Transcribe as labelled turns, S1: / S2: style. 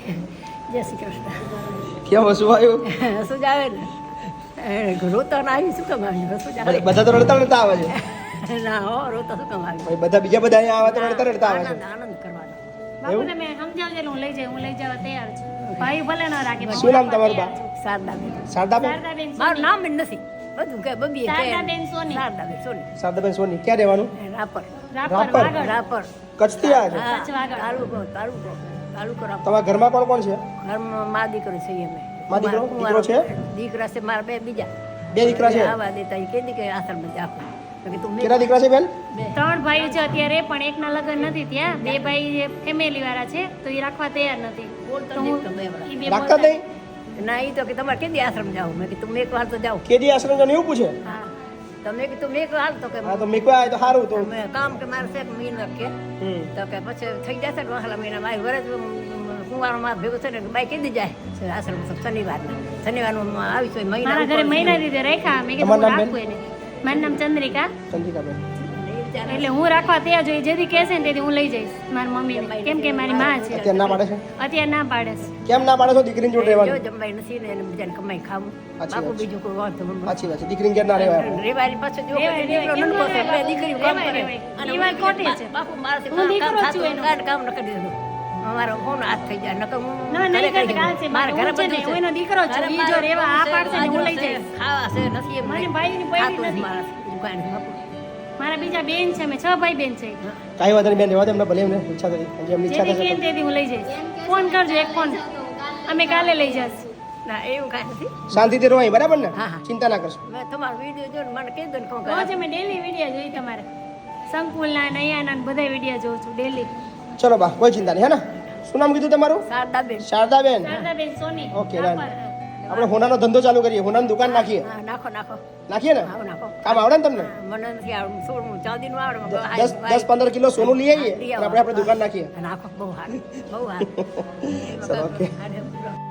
S1: જય શ્રી કૃષ્ણ.
S2: કેમ હસવું આવ્યું?
S1: હસું જ આવે ને. રોતા ના આવી શું કામ આવી? હસું જ આવે.
S2: બધા તો રડતા રડતા આવે છે
S1: ના હો, રોતા શું કામ આવી?
S2: ભાઈ બધા બીજા બધા અહીંયા આવે તો રડતા રડતા આવે છે.
S1: આનંદ આનંદ કરવાનો.
S3: બાપુ તમે સમજાવજો એટલે હું લઈ જવા તૈયાર છું. ભાઈ ભલે ન રાખે પણ
S2: શું નામ તમારું બા?
S1: શારદાબેન.
S2: શારદાબેન?
S3: શારદાબેન
S1: મારું નામ જ નથી. બધું કે બબીએ કે
S3: શારદાબેન સોની.
S1: શારદાબેન સોની.
S2: શારદાબેન સોની. ક્યાં રહેવાનું?
S1: રાપર.
S3: રાપર
S2: રાપર.
S3: વાગડ.
S1: રાપર.
S2: કચ્છથી આવ્યા છે?
S1: હા,
S3: કચ્છ વાગડ.
S1: તાલુકો તાલુકો તાલુકો રાપર.
S2: તમારા ઘરમાં કોણ કોણ છે?
S1: ઘરમાં મા દીકરો છે અમે.
S2: મા દીકરો? દીકરો છે?
S1: દીકરા છે મારા બે બીજા.
S2: બે દીકરા છે?
S1: આવા દેતા એ કીધી કે આશ્રમમાં જાઓ. તો કે તું
S2: કેટલા દીકરા છે બેન?
S1: બે.
S3: 3 ભાઈઓ છે અત્યારે પણ એકના લગ્ન નથી ત્યાં. 2 ભાઈ ફેમિલી વાળા છે તો એ રાખવા તૈયાર નથી.
S1: બોલતો
S3: તો
S1: નહીં
S3: હું
S1: તો બે વડા.
S3: ઈ બે
S2: રાખતા જ
S3: બોલતા-
S2: નહીં?
S1: ના એ તો કે તમારે કેદી આશ્રમ જાઓ? મેં કીધું તમે એક વાર તો જાઓ.
S2: કેદી આશ્રમ જવાનું એવું પૂછે?
S1: હા તમે કીધું મેં એક વાર તો કે
S2: હા તો મેકવા આવે તો સારું તો.
S1: મેં કામ કે મારે છે મહિનો કે
S2: હમ.
S1: તો કે પછી થઈ જશે ને વહાલા મહિના મારી વરસ કુંવારમાં ભેગું થઈને બાઈ કીધી જાય આશ્રમ શનિવારનું આવી છે મહિના
S3: મારા ઘરે મહિના દીધે રાખ્યા મેં કીધું
S2: તમારું
S3: હું
S2: નામ
S3: રાખું એને. મારું નામ ચંદ્રિકા.
S2: ચંદ્રિકાબેન.
S3: એટલે હું રાખવા તૈયાર છું. જેથી કહેશે ને તેથી હું લઈ જઈશ મારી મમ્મીને. કેમ કે મારી માં છે
S2: અત્યારે ના પાડે છે?
S3: અત્યારે ના પાડે છે.
S2: કેમ ના પાડે છો દીકરીની જોડે
S1: જો
S2: રહેવાનું?
S1: જમવાય નથી ને એને બીજાને કમાઈ ખાવું
S2: સાચી
S1: બાપુ
S2: વાત છે.
S1: બીજું કોઈ વાંધો નથી.
S2: સાચી વાત છે. દીકરીને ઘેર ના રહેવાય.
S1: રેવારી પાછળ જો
S3: રેવાય,
S1: દીકરો
S3: રેવાય,
S1: નનકો છે,
S3: કેમ
S1: બે દીકરીઓ કામ
S3: રેવાય,
S1: કરે.
S3: રેવાય.
S1: અને
S3: એ વાત
S1: હું
S3: ખોટી છે.
S1: બાપુ મારાથી
S3: હું
S1: કામ
S3: દીકરો
S1: થતું
S3: છું એનો.
S1: કામ ન કરી દીધું અમારો ફોન હાથ થઈ જાય નકર હું
S3: ના, નહીં
S1: ઘરે
S3: કરતી,
S1: કરી
S3: કાલ છે.
S1: દઉં. મારા ઘરે
S3: હું છે ને,
S1: બધું
S3: હું એનો દીકરો છું.
S1: ઘરે
S3: ઈ જો
S1: મારે
S3: રેવા આ
S1: છે,
S3: પાડશે ને હું લઈ
S1: બાજરો છે,
S3: જઈશ.
S1: ખાવા છે નથી એમ
S3: મારી
S1: નહીં.
S3: ભાઈની પૈડી
S1: ખાતું જ
S3: નથી.
S1: મારા દુકાને બાપુ.
S3: મારા બીજા બેન છે અમે 6 ભાઈ બેન છે.
S2: કાંઈ વાંધો નહીં બેન, રહેવા દે એમને, ભલે એમને ઈચ્છા થઈ. જેમની ઈચ્છા
S3: જેથી
S2: થશે
S3: કે તેથી હું લઈ જઈશ. ફોન કરજો એક ફોન. અમે કાલે લઈ જઈશ.
S1: ના એવું કાંઈ નથી
S2: શાંતિથી રહો અહીં, બરાબર ને?
S1: હા, હા.
S2: ચિંતા ના કરશો.
S1: મેં તમારો વિડીયો જોઈને મને કહી દો ને કોણ
S3: રોજ અમે ડેલી વિડીયો જોઈ તમારે. સંકુલના ને અહીંયાના ને બધા વિડીયો જોઉં છું ડેલી.
S2: ચલો બા, કોઈ ચિંતા નહીં, હે ને? શું નામ કીધું તમારું?
S1: શારદાબેન.
S2: શારદાબેન.
S3: શારદાબેન સોની.
S2: ઓકે,
S3: રાપર.
S2: આપણે હોનાનો ધંધો ચાલુ કરીએ, હોનાની દુકાન નાખીએ.
S1: હા નાખો નાખો
S2: નાખીએ ને?
S1: આવો નાખો
S2: કામ આવડે ને તમને?
S1: મને નથી આવડતું સોળમું ચાંદીનું આવડે મને.
S2: 10-15 કિલો સોનું લઈ આવીએ
S1: લઈ
S2: અને
S1: આવો.
S2: આપણે દુકાન નાખીએ.
S1: નાખો બહુ સારું બહુ સારું
S2: ચલો, ઓકે.
S1: હારે.